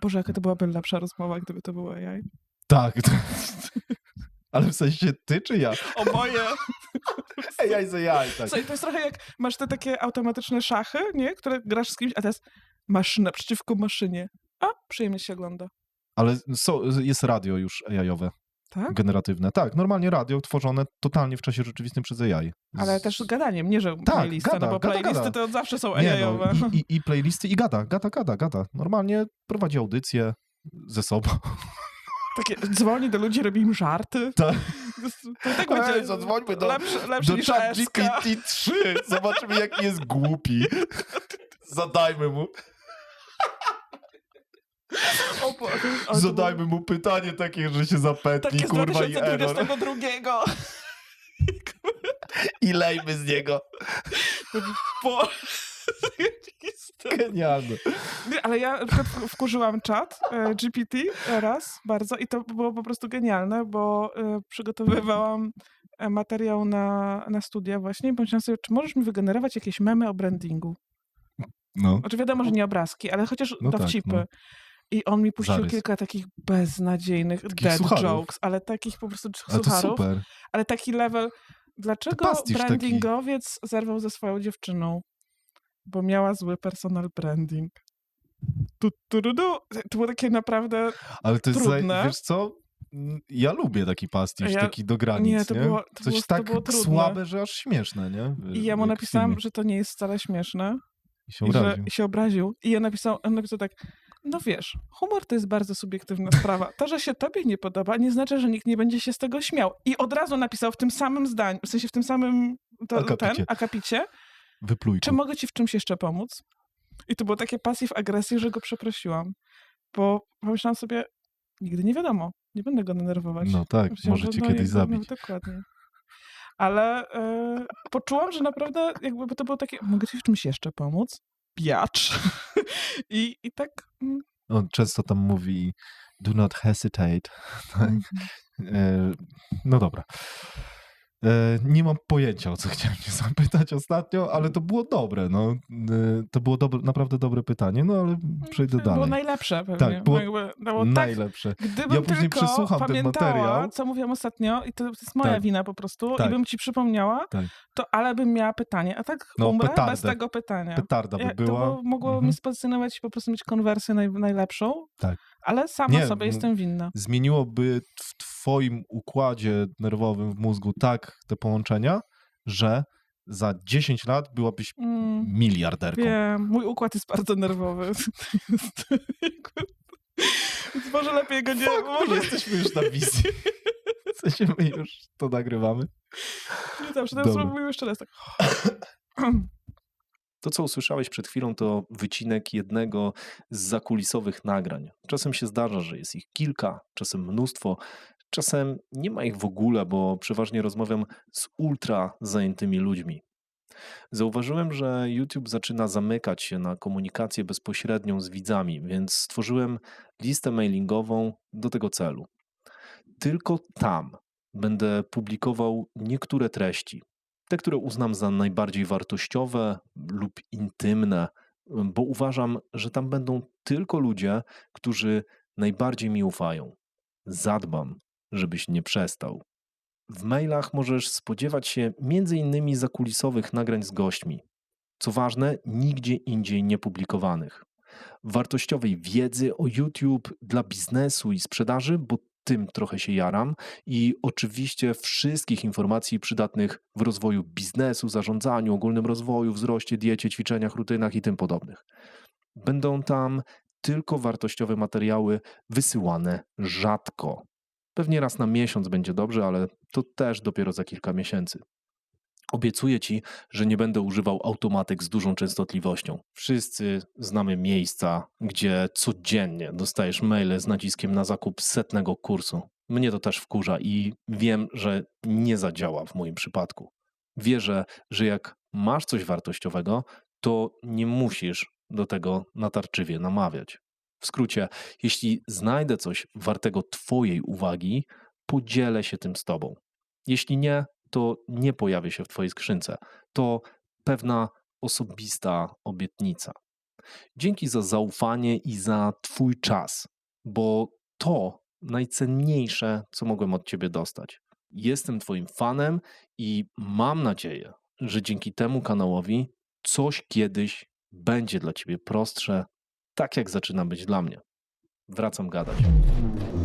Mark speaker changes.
Speaker 1: Boże, jaka to byłaby lepsza rozmowa, gdyby to było AI.
Speaker 2: Tak. Ale w sensie ty czy ja?
Speaker 1: Oboje.
Speaker 2: AI za AI, tak.
Speaker 1: Słuchaj, to jest trochę jak masz te takie automatyczne szachy, nie? Które grasz z kimś, a teraz maszyna przeciwko maszynie. A, przyjemnie się ogląda.
Speaker 2: Ale jest radio już AI-owe.
Speaker 1: Tak?
Speaker 2: Generatywne. Tak, normalnie radio tworzone totalnie w czasie rzeczywistym przez AI.
Speaker 1: Ale też gadaniem, nie że playlisty, no bo playlisty to playlisty są AI-owe.
Speaker 2: No, i playlisty i gada. Normalnie prowadzi audycję ze sobą.
Speaker 1: Takie dzwoni do ludzi, robi im żarty.
Speaker 2: Tak.
Speaker 1: To tak będzie
Speaker 2: zadzwońmy do
Speaker 1: lepszy niż ASK.
Speaker 2: GPT-3. Zobaczymy, jaki jest głupi. Zadajmy mu. Zadajmy mu pytanie takie, że się zapętli,
Speaker 1: takie
Speaker 2: kurwa, i error.
Speaker 1: 2022.
Speaker 2: I lejmy z niego. Genialne.
Speaker 1: Ale ja na przykład wkurzyłam czat GPT raz bardzo i to było po prostu genialne, bo przygotowywałam materiał na studia właśnie i pomyślałam sobie, czy możesz mi wygenerować jakieś memy o brandingu?
Speaker 2: No.
Speaker 1: Znaczy wiadomo, że nie obrazki, ale chociaż dowcipy.
Speaker 2: Tak, no.
Speaker 1: I on mi puścił
Speaker 2: Zarys.
Speaker 1: kilka takich beznadziejnych dead jokes, ale takich po prostu sucharów.
Speaker 2: Ale to super.
Speaker 1: Ale taki level. Dlaczego brandingowiec zerwał ze swoją dziewczyną? Bo miała zły personal branding. To było takie naprawdę
Speaker 2: ale to jest
Speaker 1: trudne.
Speaker 2: Wiesz co? Ja lubię taki pastisz, taki do granic,
Speaker 1: nie? To było
Speaker 2: słabe, że aż śmieszne, nie?
Speaker 1: I ja mu napisałam, że to nie jest wcale śmieszne.
Speaker 2: I się obraził.
Speaker 1: Że się obraził. I ja napisał tak, no wiesz, humor to jest bardzo subiektywna sprawa. To, że się tobie nie podoba, nie znaczy, że nikt nie będzie się z tego śmiał. I od razu napisał w tym samym zdaniu, w sensie w tym samym akapicie,
Speaker 2: Wypluj.
Speaker 1: Czy mogę ci w czymś jeszcze pomóc? I to było takie pasyw-agresji, że go przeprosiłam. Bo pomyślałam sobie, nigdy nie wiadomo, nie będę go denerwować.
Speaker 2: No tak, może cię kiedyś zabić.
Speaker 1: No, dokładnie. Ale poczułam, że naprawdę jakby to było takie, mogę ci w czymś jeszcze pomóc? Biacz. I tak...
Speaker 2: On często tam mówi do not hesitate. Tak? No dobra. Nie mam pojęcia, o co chciałem cię zapytać ostatnio, ale to było dobre. No. To było naprawdę dobre pytanie, no ale przejdę dalej.
Speaker 1: Było najlepsze pewnie.
Speaker 2: Tak, było najlepsze.
Speaker 1: Tak, gdybym
Speaker 2: później przesłucham ten materiał.
Speaker 1: Co mówiłam ostatnio, i to jest moja wina po prostu, i bym ci przypomniała, to ale bym miała pytanie, a tak umrę bez tego pytania.
Speaker 2: Petarda by była.
Speaker 1: To mogło mnie spascynować i po prostu mieć konwersję najlepszą, ale sama sobie jestem winna.
Speaker 2: Zmieniłoby w twoim układzie nerwowym w mózgu tak te połączenia, że za 10 lat byłabyś miliarderką.
Speaker 1: Wiem, mój układ jest bardzo nerwowy. Więc może lepiej go nie...
Speaker 2: Może jesteśmy już na wizji. W sensie my już to nagrywamy.
Speaker 1: Nie dobrze, teraz spróbujmy jeszcze raz tak.
Speaker 3: To, co usłyszałeś przed chwilą, to wycinek jednego z zakulisowych nagrań. Czasem się zdarza, że jest ich kilka, czasem mnóstwo, czasem nie ma ich w ogóle, bo przeważnie rozmawiam z ultra zajętymi ludźmi. Zauważyłem, że YouTube zaczyna zamykać się na komunikację bezpośrednią z widzami, więc stworzyłem listę mailingową do tego celu. Tylko tam będę publikował niektóre treści. Te, które uznam za najbardziej wartościowe lub intymne, bo uważam, że tam będą tylko ludzie, którzy najbardziej mi ufają. Zadbam, żebyś nie przestał. W mailach możesz spodziewać się m.in. zakulisowych nagrań z gośćmi. Co ważne, nigdzie indziej niepublikowanych. Wartościowej wiedzy o YouTube dla biznesu i sprzedaży, bo tym trochę się jaram, i oczywiście wszystkich informacji przydatnych w rozwoju biznesu, zarządzaniu, ogólnym rozwoju, wzroście, diecie, ćwiczeniach, rutynach i tym podobnych. Będą tam tylko wartościowe materiały wysyłane rzadko. Pewnie raz na miesiąc będzie dobrze, ale to też dopiero za kilka miesięcy. Obiecuję ci, że nie będę używał automatek z dużą częstotliwością. Wszyscy znamy miejsca, gdzie codziennie dostajesz maile z naciskiem na zakup 100 kursu. Mnie to też wkurza i wiem, że nie zadziała w moim przypadku. Wierzę, że jak masz coś wartościowego, to nie musisz do tego natarczywie namawiać. W skrócie, jeśli znajdę coś wartego twojej uwagi, podzielę się tym z tobą. Jeśli nie, to nie pojawię się w twojej skrzynce. To pewna osobista obietnica. Dzięki za zaufanie i za twój czas, bo to najcenniejsze, co mogłem od ciebie dostać. Jestem twoim fanem i mam nadzieję, że dzięki temu kanałowi coś kiedyś będzie dla ciebie prostsze, tak jak zaczyna być dla mnie. Wracam gadać.